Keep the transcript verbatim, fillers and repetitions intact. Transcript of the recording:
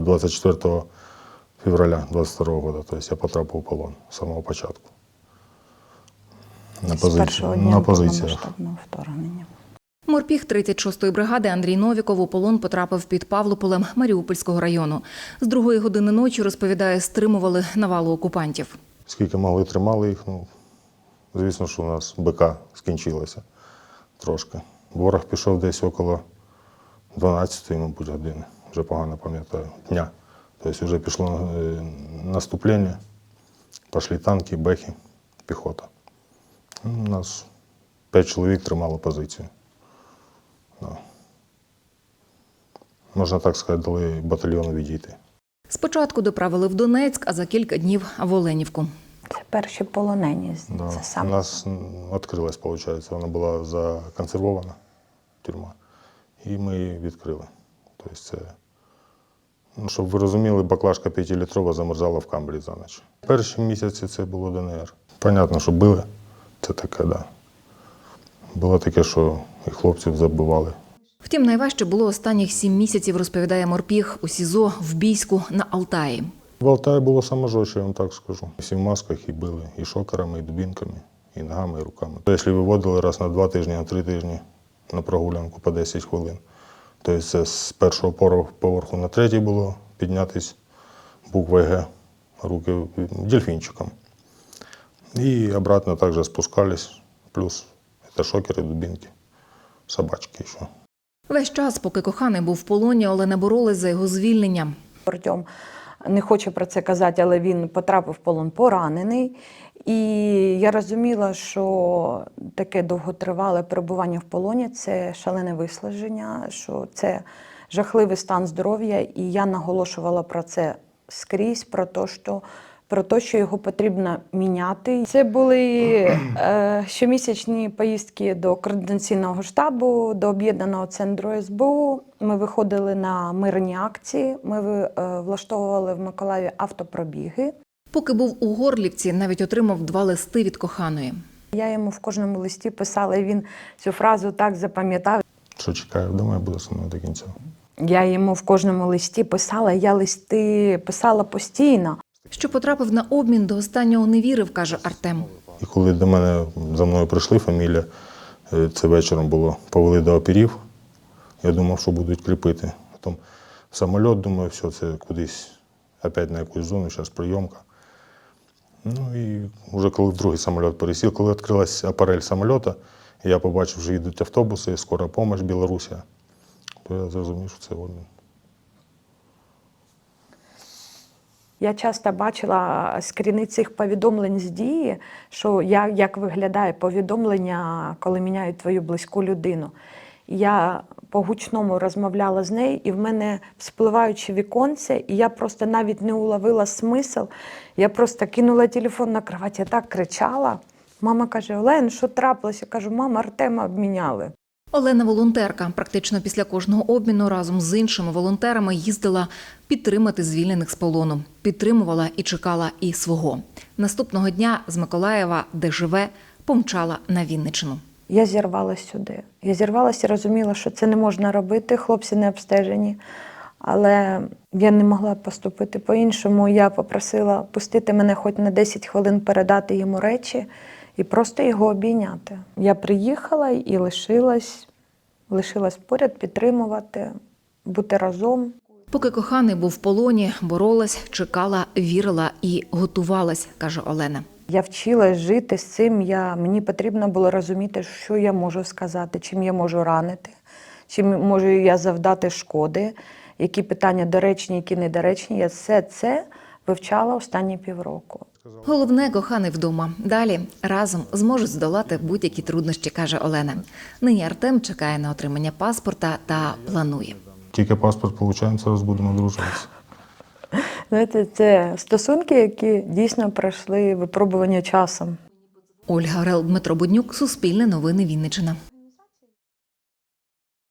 двадцять четвертого февраля двадцять второго года. Тобто я потрапив у полон з самого початку. На, позиці... на позиціях. Вторгнення. Морпіг тридцять шостої бригади Андрій Новіков у полон потрапив під Павлополем Маріупольського району. З другої години ночі, розповідає, стримували навалу окупантів. Скільки могли, тримали їх. Ну, звісно, що у нас БК скінчилося трошки. Ворог пішов десь около дванадцятої, мабуть, години. Вже погано пам'ятаю, дня. Тобто вже пішло наступлення, пішли танки, бехи, піхота. У нас п'ять чоловік тримало позицію. Да. Можна так сказати, дали батальйону відійти. Спочатку доправили в Донецьк, а за кілька днів в Оленівку. Це перші полонені. Да. Це саме. У нас відкрилась, виходить, вона була законсервована, тюрма, і ми її відкрили. Тобто це, ну, щоб ви розуміли, баклажка п'ятилітрова замерзала в камбрі за ніч. Перші місяці це було ДНР. Понятно, що били, це таке, да. Було таке, що і хлопців забивали. Втім, найважче було останніх сім місяців, розповідає Морпіг, у СІЗО в Бійську на Алтаї. В Алтаї було саме жорстче, я вам так скажу. Всі в масках і били, і шокерами, і дубінками, і ногами, і руками. Якщо виводили раз на два тижні, на три тижні на прогулянку по десять хвилин, тобто це з першого поверху на третій було піднятись буквою Г, руки дельфінчиком. І обратно також спускались, плюс це шокери, дубінки, собачки ще. Весь час, поки коханий був в полоні, Олена боролась за його звільнення. Артем не хоче про це казати, але він потрапив в полон поранений. І я розуміла, що таке довготривале перебування в полоні – це шалене виснаження, що це жахливий стан здоров'я. І я наголошувала про це скрізь, про те, що, про те, що його потрібно міняти. Це були е, щомісячні поїздки до координаційного штабу, до об'єднаного центру ес бе у. Ми виходили на мирні акції, ми е, влаштовували в Миколаєві автопробіги. Поки був у Горлівці, навіть отримав два листи від коханої. Я йому в кожному листі писала, і він цю фразу так запам'ятав. Що чекає вдома, я буду зі мною до кінця. Я йому в кожному листі писала, я листи писала постійно. Що потрапив на обмін, до останнього не вірив, каже Артем. І коли до мене, за мною прийшли, фамілія, це вечором було, повели до опірів, я думав, що будуть кріпити. Потім самоліт, думаю, все, це кудись, опять на якусь зону, зараз прийомка. Ну і вже коли в другий самоліт пересів, коли відкрилась апарель самоліта, я побачив, що їдуть автобуси, скора допомога, Білорусія, то я зрозумів, що це обмін. Я часто бачила скріни цих повідомлень з дії, що я, як виглядає повідомлення, коли міняють твою близьку людину. Я по гучному розмовляла з нею, і в мене спливаючи віконце, і я просто навіть не уловила смисл. Я просто кинула телефон на кровать, я так кричала. Мама каже: Олен, що трапилося? Я кажу: мама, Артема обміняли. Олена – волонтерка. Практично після кожного обміну разом з іншими волонтерами їздила підтримати звільнених з полону. Підтримувала і чекала і свого. Наступного дня з Миколаєва, де живе, помчала на Вінниччину. Я зірвалася сюди. Я зірвалася і розуміла, що це не можна робити, хлопці не обстежені. Але я не могла поступити по-іншому. Я попросила пустити мене хоч на десять хвилин, передати йому речі і просто його обійняти. Я приїхала і лишилась, лишилась поряд, підтримувати, бути разом. Поки коханий був в полоні, боролась, чекала, вірила і готувалась, каже Олена. Я вчилась жити з цим, я, мені потрібно було розуміти, що я можу сказати, чим я можу ранити, чим можу я завдати шкоди, які питання доречні, які недоречні. Я все це вивчала останні півроку. Головне – коханий вдома. Далі разом зможуть здолати будь-які труднощі, каже Олена. Нині Артем чекає на отримання паспорта та планує. Тільки паспорт отримаємо, зараз будемо одружуватися. Знаєте, це стосунки, які дійсно пройшли випробування часом. Ольга Орел, Дмитро Буднюк, Суспільне новини, Вінниччина.